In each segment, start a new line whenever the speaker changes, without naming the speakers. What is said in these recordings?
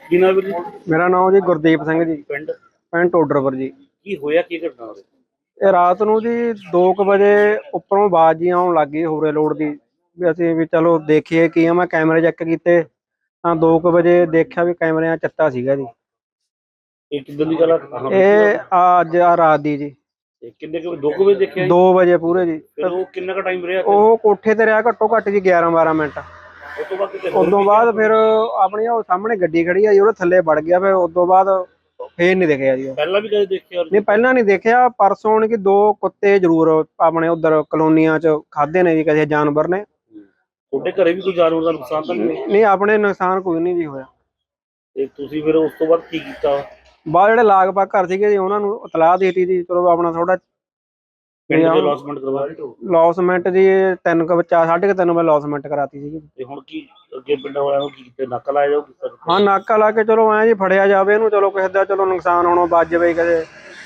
ਕੀ ਨਾਮ ਵੀਰ ਜੀ?
ਮੇਰਾ ਨਾਮ ਜੀ ਗੁਰਦੀਪ ਸਿੰਘ ਜੀ,
ਪਿੰਡ
ਪਿੰਡ ਟੋਡਰਪੁਰ ਜੀ।
ਕੀ ਹੋਇਆ, ਕੀ ਘਟਨਾ ਹੋਈ?
ਇਹ ਰਾਤ ਨੂੰ ਜੀ 2 ਵਜੇ ਉੱਪਰੋਂ ਆਵਾਜ਼ ਜੀ ਆਉਣ ਲੱਗ ਗਈ ਹੋਰੇ ਲੋਡ ਦੀ, ਵੀ ਅਸੀਂ ਵੀ ਚਲੋ ਦੇਖੀਏ ਕੀ ਆ। ਮੈਂ ਕੈਮਰੇ ਚੈੱਕ ਕੀਤੇ ਤਾਂ 2 ਵਜੇ ਦੇਖਿਆ ਵੀ ਕੈਮਰਿਆਂ 'ਚ ਚੱਤਾ ਸੀਗਾ ਜੀ।
ਇਹ ਕਿੱਦਾਂ ਦੀ ਗੱਲ ਆ?
ਇਹ ਅੱਜ ਆ ਰਾਤ ਦੀ ਜੀ,
ਕਿੰਨੇ ਕੁ 2 ਵਜੇ ਦੇਖਿਆ ਜੀ?
2 ਵਜੇ ਪੂਰੇ ਜੀ।
ਫਿਰ ਉਹ ਕਿੰਨਾ ਕੁ ਟਾਈਮ ਰਿਹਾ?
ਉਹ ਕੋਠੇ ਤੇ ਰਿਹਾ ਘੱਟੋ ਘੱਟ ਜੀ 11-12 ਮਿੰਟ।
ਉਸ ਤੋਂ ਬਾਅਦ ਕਿਤੇ
ਉਸ ਤੋਂ ਬਾਅਦ ਫਿਰ ਆਪਣੀ ਉਹ ਸਾਹਮਣੇ ਗੱਡੀ ਖੜੀ ਆ ਜੀ, ਉਹਦੇ ਥੱਲੇ ਵੜ ਗਿਆ। ਫਿਰ ਉਸ ਤੋਂ ਬਾਅਦ ਫੇਰ ਨਹੀਂ ਦਿਖਿਆ ਜੀ।
ਪਹਿਲਾਂ ਵੀ ਕਦੇ ਦੇਖਿਆ?
ਨਹੀਂ, ਪਹਿਲਾਂ ਨਹੀਂ ਦੇਖਿਆ। ਪਰਸੋਂ ਹੁਣ ਕਿ 2 ਕੁੱਤੇ ਜ਼ਰੂਰ ਆਪਣੇ ਉਧਰ ਕਲੋਨੀਆਂ 'ਚ ਖਾਧੇ ਨੇ ਜੀ ਕਿਸੇ ਜਾਨਵਰ ਨੇ।
ਤੁਹਾਡੇ ਘਰੇ ਵੀ ਕੋਈ ਜਾਨਵਰ ਦਾ ਨੁਕਸਾਨ ਤਾਂ ਨਹੀਂ?
ਨਹੀਂ, ਆਪਣੇ ਨੁਕਸਾਨ ਕੋਈ ਨਹੀਂ ਜੀ ਹੋਇਆ।
ਤੇ ਤੁਸੀਂ ਫਿਰ ਉਸ ਤੋਂ ਬਾਅਦ ਕੀ ਕੀਤਾ?
ਬਾਅਦ ਜਿਹੜੇ ਲਾਗ-ਬਾਗ ਘਰ ਸੀਗੇ ਜੀ ਉਹਨਾਂ ਨੂੰ ਇਤਲਾਹ ਦੇ ਦਿੱਤੀ ਜੀ। ਚਲੋ ਆਪਣਾ ਥੋੜਾ
ਪਿੰਡ ਦੇ ਲੌਸਮੈਂਟ ਕਰਵਾ ਦਿੱਤੀ?
ਲੌਸਮੈਂਟ ਜੀ 3 ਵਜੇ 3:30 ਵਜੇ ਲੌਸਮੈਂਟ ਕਰਾਤੀ ਸੀਗੀ।
ਤੇ ਹੁਣ ਕੀ ਅੱਗੇ ਪਿੰਡਾਂ ਵਾਲਿਆਂ ਨੂੰ ਕੀ ਕੀਤਾ? ਨਾਕਾ ਲਾਇਆ ਜਾਊ?
ਹਾਂ, ਨਾਕਾ ਲਾ ਕੇ ਚਲੋ ਐਂ ਜੀ ਫੜਿਆ ਜਾਵੇ ਇਹਨੂੰ। ਚਲੋ ਕਿਸੇ ਦਾ ਚਲੋ ਨੁਕਸਾਨ ਹੋਣੋਂ ਬਚ ਜਾਵੇ ਕਦੇ।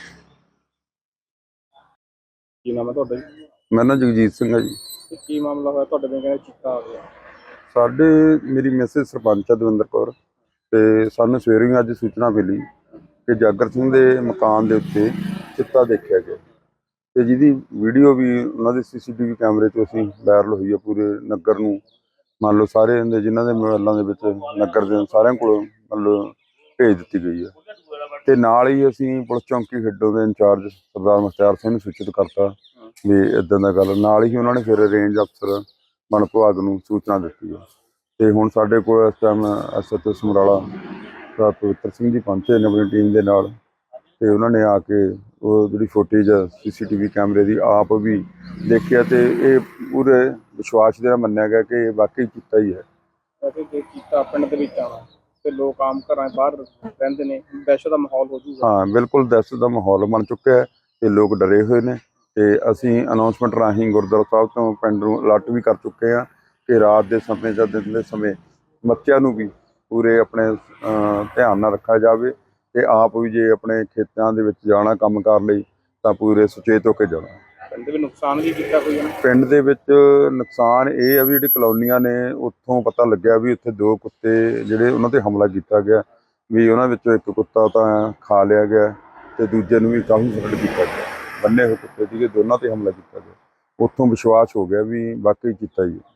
ਕੀ ਨਾਮ ਹੈ ਤੁਹਾਡਾ ਜੀ?
ਮੇਰਾ ਨਾਮ ਜਗਜੀਤ ਸਿੰਘ ਹੈ ਜੀ।
ਕੀ ਮਾਮਲਾ ਹੋਇਆ ਤੁਹਾਡੇ ਪਿੰਡ? ਕਹਿੰਦੇ ਚਿੱਟਾ ਆ ਗਿਆ
ਸਾਡੇ ਮੇਰੀ ਮੈਸੇਜ ਸਰਪੰਚ ਆ ਦਵਿੰਦਰ ਕੌਰ, ਤੇ ਸਾਨੂੰ ਸਵੇਰੇ ਹੀ ਅੱਜ ਸੂਚਨਾ ਮਿਲੀ ਕਿ ਜਾਗਰ ਸਿੰਘ ਦੇ ਮਕਾਨ ਦੇ ਉੱਤੇ ਚਿੱਟਾ ਦੇਖਿਆ ਗਿਆ, ਤੇ ਜਿਹਦੀ ਵੀਡੀਓ ਵੀ ਉਹਨਾਂ ਦੇ CCTV ਕੈਮਰੇ 'ਚ ਅਸੀਂ ਵਾਇਰਲ ਹੋਈ ਹੈ ਪੂਰੇ ਨਗਰ ਨੂੰ। ਮੰਨ ਲਓ ਸਾਰੇ ਦੇ ਜਿਨ੍ਹਾਂ ਦੇ ਮੋਬਾਈਲਾਂ ਦੇ ਵਿੱਚ ਨਗਰ ਦੇ ਸਾਰਿਆਂ ਕੋਲ ਮੰਨ ਲਓ ਭੇਜ ਦਿੱਤੀ ਗਈ ਹੈ। ਤੇ ਨਾਲ ਹੀ ਅਸੀਂ ਪੁਲਿਸ ਚੌਂਕੀ ਖੇਡੋ ਦੇ ਇੰਚਾਰਜ ਸਰਦਾਰ ਮੁਖਤਿਆਰ ਸਿੰਘ ਨੂੰ ਸੂਚਿਤ ਕਰਤਾ ਵੀ ਇੱਦਾਂ ਦਾ ਗੱਲ। ਨਾਲ ਹੀ ਉਹਨਾਂ ਨੇ ਫਿਰ ਰੇਂਜ ਅਫਸਰ ਵਣ ਵਿਭਾਗ ਨੂੰ ਸੂਚਨਾ ਦਿੱਤੀ ਹੈ। ਤੇ ਹੁਣ ਸਾਡੇ ਕੋਲ ਇਸ ਟਾਈਮ SHO ਸਮਰਾਲਾ ਸਰਦਾਰ ਪਵਿੱਤਰ ਸਿੰਘ ਜੀ ਪਹੁੰਚੇ ਨੇ ਆਪਣੀ ਟੀਮ ਦੇ ਨਾਲ, ਤੇ ਉਹਨਾਂ ਨੇ ਆ ਕੇ ਉਹ ਜਿਹੜੀ ਫੁਟੇਜ CCTV ਕੈਮਰੇ ਦੀ ਆਪ ਵੀ ਦੇਖਿਆ, ਤੇ ਇਹ ਪੂਰੇ ਵਿਸ਼ਵਾਸ ਦੇ ਨਾਲ ਮੰਨਿਆ ਗਿਆ ਕਿ ਇਹ ਵਾਕਈ ਕੀਤਾ ਹੀ ਹੈ।
ਕੀਤਾ ਪਿੰਡ ਦੇ ਵਿੱਚ ਆਉਣਾ ਤੇ ਲੋਕ ਆਮ ਘਰਾਂ ਬਾਹਰ ਰਹਿੰਦੇ ਨੇ, ਦਹਿਸ਼ਤ ਦਾ ਮਾਹੌਲ ਹੋ ਜੂਗਾ?
ਹਾਂ, ਬਿਲਕੁਲ ਦਹਿਸ਼ਤ ਦਾ ਮਾਹੌਲ ਬਣ ਚੁੱਕਿਆ ਹੈ ਤੇ ਲੋਕ ਡਰੇ ਹੋਏ ਨੇ। ਤੇ ਅਸੀਂ ਅਨਾਉਂਸਮੈਂਟ ਰਾਹੀਂ ਗੁਰਦੁਆਰਾ ਸਾਹਿਬ ਤੋਂ ਪਿੰਡ ਨੂੰ ਅਲਰਟ ਵੀ ਕਰ ਚੁੱਕੇ ਹਾਂ ਕਿ ਰਾਤ ਦੇ ਸਮੇਂ ਜਾਂ ਦਿਨ ਦੇ ਸਮੇਂ ਬੱਚਿਆਂ ਨੂੰ ਵੀ ਪੂਰੇ ਆਪਣੇ ਧਿਆਨ ਨਾਲ ਰੱਖਿਆ ਜਾਵੇ, ਤੇ ਆਪ ਵੀ ਜੇ ਆਪਣੇ ਖੇਤਾਂ ਦੇ ਵਿੱਚ ਜਾਣਾ ਕੰਮ ਕਾਰ ਲਈ ਤਾਂ ਪੂਰੇ ਸੁਚੇਤ ਹੋ ਕੇ ਜਾਣਾ।
ਪਿੰਡ ਦੇ ਵਿੱਚ ਨੁਕਸਾਨ ਵੀ ਕੀਤਾ ਕੋਈ?
ਪਿੰਡ ਦੇ ਵਿੱਚ ਨੁਕਸਾਨ ਇਹ ਆ ਵੀ ਜਿਹੜੀ ਕਲੋਨੀਆਂ ਨੇ ਉੱਥੋਂ ਪਤਾ ਲੱਗਿਆ ਵੀ ਉੱਥੇ 2 ਕੁੱਤੇ ਜਿਹੜੇ ਉਹਨਾਂ ਤੇ ਹਮਲਾ ਕੀਤਾ ਗਿਆ, ਵੀ ਉਹਨਾਂ ਵਿੱਚੋਂ ਇੱਕ ਕੁੱਤਾ ਤਾਂ ਖਾ ਲਿਆ ਗਿਆ ਤੇ ਦੂਜੇ ਨੂੰ ਵੀ ਕਾਫੀ ਫਰਕ ਕੀਤਾ ਗਿਆ। ਬੰਨੇ ਹੋਏ ਕੁੱਤੇ ਸੀਗੇ, ਦੋਨਾਂ ਤੇ ਹਮਲਾ ਕੀਤਾ ਗਿਆ। ਉੱਥੋਂ ਵਿਸ਼ਵਾਸ ਹੋ ਗਿਆ ਵੀ ਵਾਕਈ ਕੀਤਾ ਹੀ।